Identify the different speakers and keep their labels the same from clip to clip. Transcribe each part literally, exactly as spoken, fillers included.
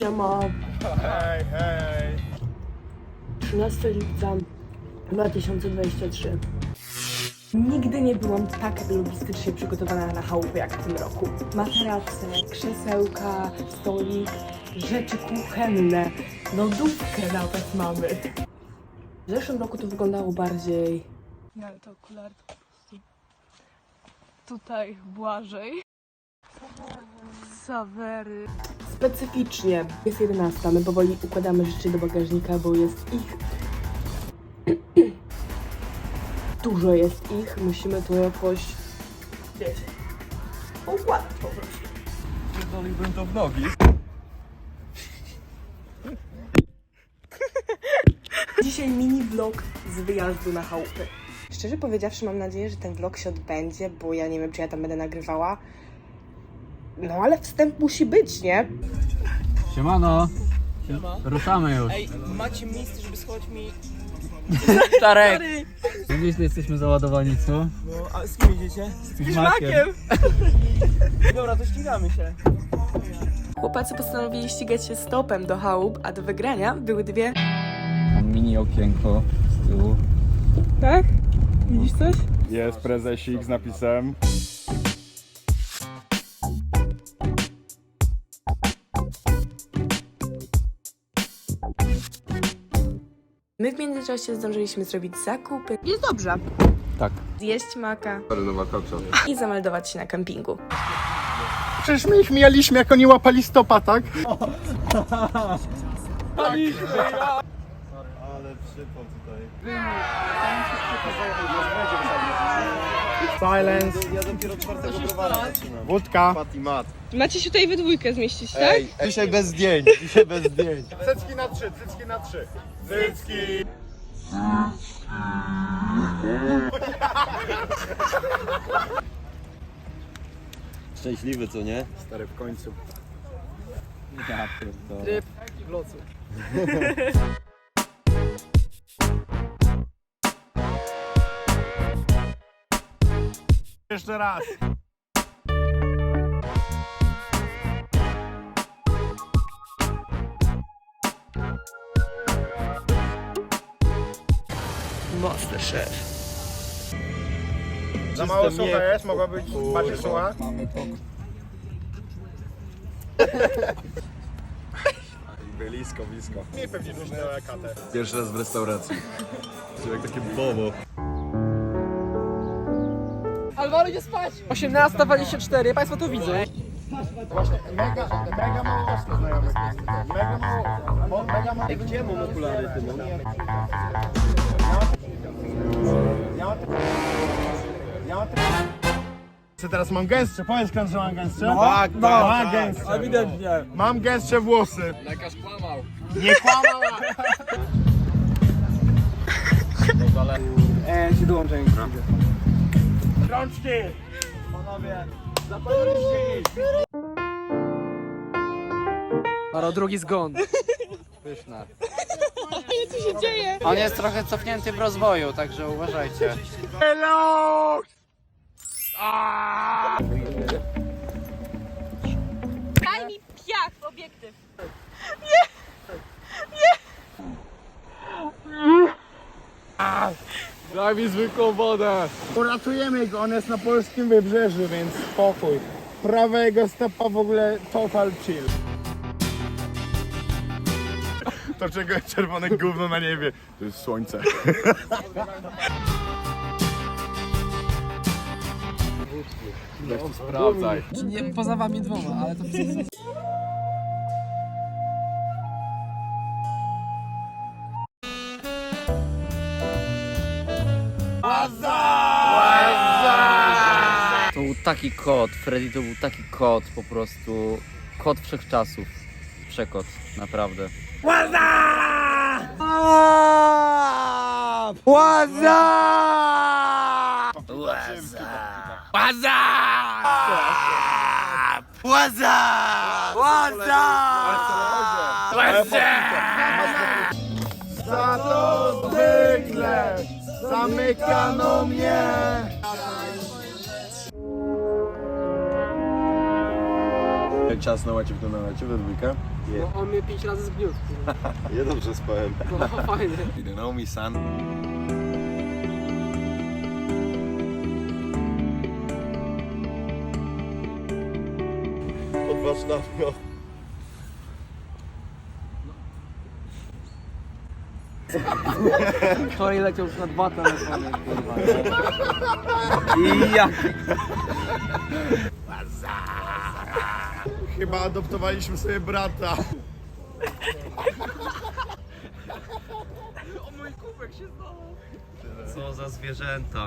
Speaker 1: Siema.
Speaker 2: Hej, hej.
Speaker 1: trzynastego lipca dwa tysiące dwudziestego trzeciego. Nigdy nie byłam tak logistycznie przygotowana na chałupę jak w tym roku. Materace, krzesełka, stolik, rzeczy kuchenne, lodówkę nawet mamy. W zeszłym roku to wyglądało bardziej...
Speaker 3: Nie, ale to okulary to po prostu... Tutaj Błażej. Sawery.
Speaker 1: specyficznie. Jest jedenasta, my powoli układamy rzeczy do bagażnika, bo jest ich... Dużo jest ich, musimy to jakoś... wiecie... układać po prostu.
Speaker 2: Pierdoliłbym to w nogi.
Speaker 1: Dzisiaj mini vlog z wyjazdu na chałupy. Szczerze powiedziawszy, mam nadzieję, że ten vlog się odbędzie, bo ja nie wiem, czy ja tam będę nagrywała. No ale wstęp musi być, nie?
Speaker 4: Siemano,
Speaker 5: Siema.
Speaker 4: ruszamy już.
Speaker 5: Ej, macie miejsce, żeby schować mi...
Speaker 4: Starek! Gdzieś jesteśmy załadowani, co?
Speaker 5: No, a z kim idziecie?
Speaker 4: Z Piżmakiem.
Speaker 5: Dobra, to ścigamy się.
Speaker 1: Chłopacy postanowili ścigać się stopem do chałup, a do wygrania były dwie...
Speaker 4: Mam mini okienko z tyłu.
Speaker 3: Tak? Widzisz coś?
Speaker 2: Jest prezesik z napisem.
Speaker 1: My w międzyczasie zdążyliśmy zrobić zakupy.
Speaker 3: Jest dobrze.
Speaker 4: Tak.
Speaker 1: Zjeść maka i zameldować się na kempingu.
Speaker 2: Przecież my ich mijaliśmy, jak oni łapali stopa, tak? Ale przypał tutaj. Silence. Ja dopiero czwartego browara zaczynam. Wódka.
Speaker 3: Macie się tutaj we dwójkę zmieścić, tak?
Speaker 2: Ej, dzisiaj bez zdjęć, dzisiaj bez zdjęć. Cycki na trzy, cycki na trzy. Cycki.
Speaker 6: Szczęśliwy, co nie?
Speaker 2: Stary, w końcu.
Speaker 4: Ja pierdolę.
Speaker 5: Tryb w locu.
Speaker 2: Jeszcze raz.
Speaker 1: Masterchef.
Speaker 2: Za mało sucha jest, mogła być bardziej sucha. Blisko, blisko. Nie pewnie różne katę.
Speaker 6: Pierwszy raz w restauracji. To jak takie bobo.
Speaker 5: Alvaro idzie spać! osiemnasta dwadzieścia cztery, państwo to widzę.
Speaker 2: Właśnie, mega, mega mało osób znajomych jest. Mega mało, mo, mega mało.
Speaker 6: Gdzie mam okulary, ty no?
Speaker 2: Co teraz mam gęstsze? Powiedz kto, że mam gęstsze? No,
Speaker 6: tak,
Speaker 2: no,
Speaker 6: tak,
Speaker 2: mam
Speaker 6: tak.
Speaker 2: gęstsze.
Speaker 5: Ewidentnie.
Speaker 2: Mam gęstsze włosy.
Speaker 4: Lekarz kłamał.
Speaker 2: Nie kłamał!
Speaker 5: Eee, się dołączę.
Speaker 2: Rączki!
Speaker 5: Panowie, zapadliście iść. Maro, drugi zgon.
Speaker 4: Pyszna.
Speaker 3: Co się dzieje?
Speaker 4: On jest trochę cofnięty w rozwoju, także uważajcie.
Speaker 2: Hello!
Speaker 3: Daj mi piach w obiektyw.
Speaker 4: Daj mi zwykłą wodę.
Speaker 2: Uratujemy go, on jest na polskim wybrzeżu, więc spokój. Prawa jego stopa w ogóle total chill. To czego jest czerwone gówno na niebie? To jest słońce.
Speaker 4: Sprawdzaj.
Speaker 5: Nie, poza wami dwoma, ale to
Speaker 4: To był taki kot, Freddy to był taki kot, po prostu kot wszechczasów. Przekot, naprawdę.
Speaker 2: Za to zwykle zamykano mnie.
Speaker 6: Jak czas na łacie w to nalecie we dwójkę?
Speaker 5: No on mnie pięć razy zgniótł.
Speaker 6: Ja dobrze spałem.
Speaker 5: No fajnie.
Speaker 6: You don't know me, son. Odważna, no.
Speaker 5: Wczoraj leciał już na dwa telefony, kurwa.
Speaker 4: I jak?
Speaker 6: Chyba adoptowaliśmy sobie brata.
Speaker 4: Co za zwierzęta.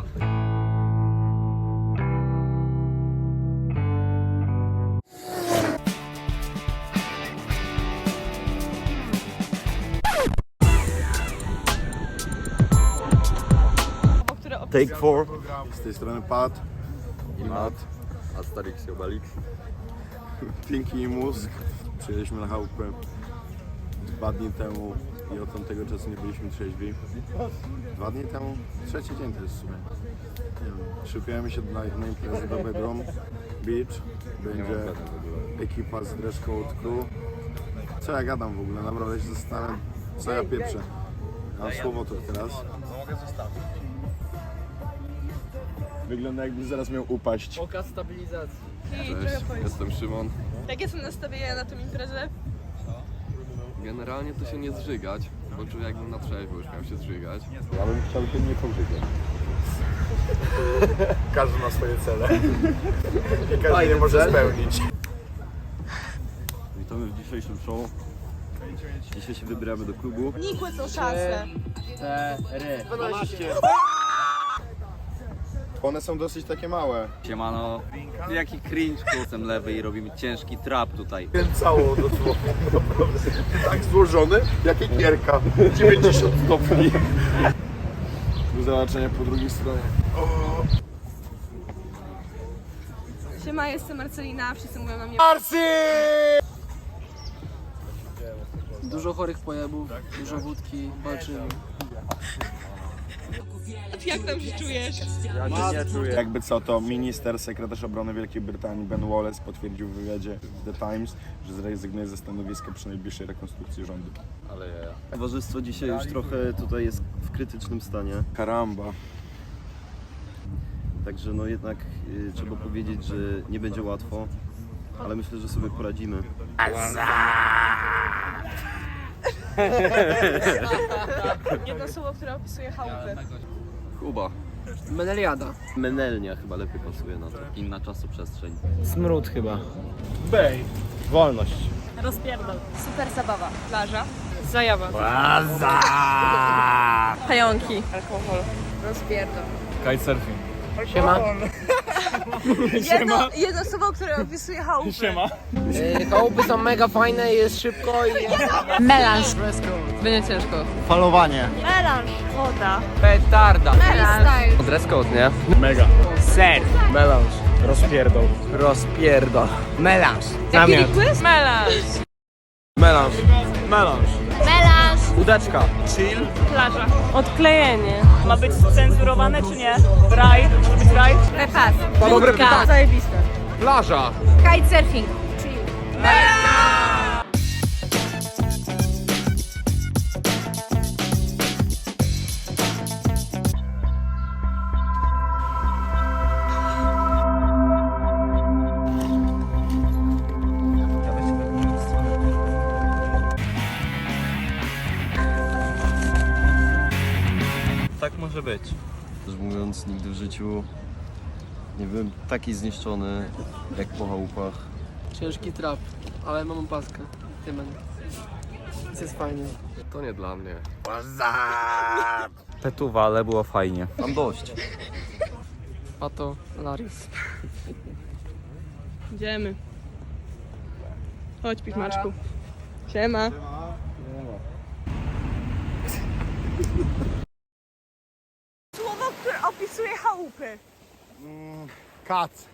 Speaker 6: Take four. Z tej strony Pat i Mat. Asterix i Obelix. Pinki i Mózg. Przyjechaliśmy na chałupę dwa dni temu i od tamtego czasu nie byliśmy trzeźwi. Dwa dni temu? Trzeci dzień to jest w sumie. Nie wiem. Szykujemy się na, na imprezę do Bedroom Beach. Będzie ekipa z Dress Code Crew. Co ja gadam w ogóle? Naprawdę się zastanawiam, co ja pieprzę. Mam słowo to teraz. Wygląda jakby zaraz miał upaść.
Speaker 5: Pokaz stabilizacji.
Speaker 6: Cześć, jestem Szymon.
Speaker 3: Jakie są nastawienia na tą imprezę?
Speaker 7: Generalnie to się nie zżygać, bo czuję jakbym na trzeźwo już miał się zżygać.
Speaker 6: Ja bym chciał się nie pożygać. Każdy ma swoje cele. I każdy je może spełnić.
Speaker 8: Witamy w dzisiejszym show. Dzisiaj się wybieramy do klubu.
Speaker 3: Nikłe są szanse.
Speaker 5: dwanaście.
Speaker 6: One są dosyć takie małe.
Speaker 4: Siemano. Jaki cringe, jestem lewy i robimy ciężki trap tutaj.
Speaker 6: Cało dosłownie, naprawdę. Tak złożony, jak ekierka. dziewięćdziesiąt stopni. Do zobaczenia po drugiej stronie.
Speaker 3: Siema, jestem Marcelina, wszyscy mówią na mnie.
Speaker 5: Dużo chorych pojebów, dużo wódki, walczymy.
Speaker 3: Jak tam się czujesz?
Speaker 6: Jakby co, to minister, sekretarz obrony Wielkiej Brytanii Ben Wallace potwierdził w wywiadzie w The Times, że zrezygnuje ze stanowiska przy najbliższej rekonstrukcji rządu.
Speaker 8: Towarzystwo dzisiaj już trochę tutaj jest w krytycznym stanie.
Speaker 6: Karamba.
Speaker 8: Także no jednak y, trzeba powiedzieć, że nie będzie łatwo, ale myślę, że sobie poradzimy.
Speaker 3: Jedno słowo, które opisuje chałupę.
Speaker 7: Kuba.
Speaker 5: Meneliada.
Speaker 8: Menelnia chyba lepiej pasuje na to.
Speaker 4: Inna czasoprzestrzeń.
Speaker 5: Smród chyba.
Speaker 2: Bej. Wolność.
Speaker 3: Rozpierdol. Super zabawa. Plaża. Zajawa. Pająki. Alkohol. Rozpierdol.
Speaker 2: Kitesurfing.
Speaker 5: Siema.
Speaker 3: Jedno, jedno słowo, które opisuje chałupę.
Speaker 2: Siema.
Speaker 5: Yy, chałupy są mega fajne, jest szybko i...
Speaker 3: Melanż.
Speaker 5: Będzie ciężko.
Speaker 2: Falowanie.
Speaker 3: Melanż. Woda.
Speaker 5: Petarda.
Speaker 3: Melanż.
Speaker 5: Dress code, nie?
Speaker 2: Mega.
Speaker 5: Surf.
Speaker 2: Melanż. Rozpierdol.
Speaker 5: Rozpierdol. Melanż.
Speaker 3: Jaki quiz? Melanż.
Speaker 2: Melanż. Melanż.
Speaker 3: Melanż.
Speaker 2: Udeczka.
Speaker 9: Chill. Plaża. Odklejenie. Ma być cenzurowane czy nie? Raj. Może być raj?
Speaker 3: Repas.
Speaker 2: Dobre pytanie.
Speaker 3: Zajebiste.
Speaker 5: Plaża.
Speaker 3: Kitesurfing. Chill.
Speaker 8: Tak może być. Szczerze mówiąc, nigdy w życiu nie byłem taki zniszczony jak po chałupach.
Speaker 5: Ciężki trap, ale mam opaskę. Tymen. Więc jest fajnie.
Speaker 7: To nie dla mnie.
Speaker 4: Petuwa, ale było fajnie.
Speaker 8: Mam dość.
Speaker 5: Pato, Laris.
Speaker 3: Idziemy. Chodź, pichmaczku. Siema. Słowo, które opisuje chałupy.
Speaker 2: Kac.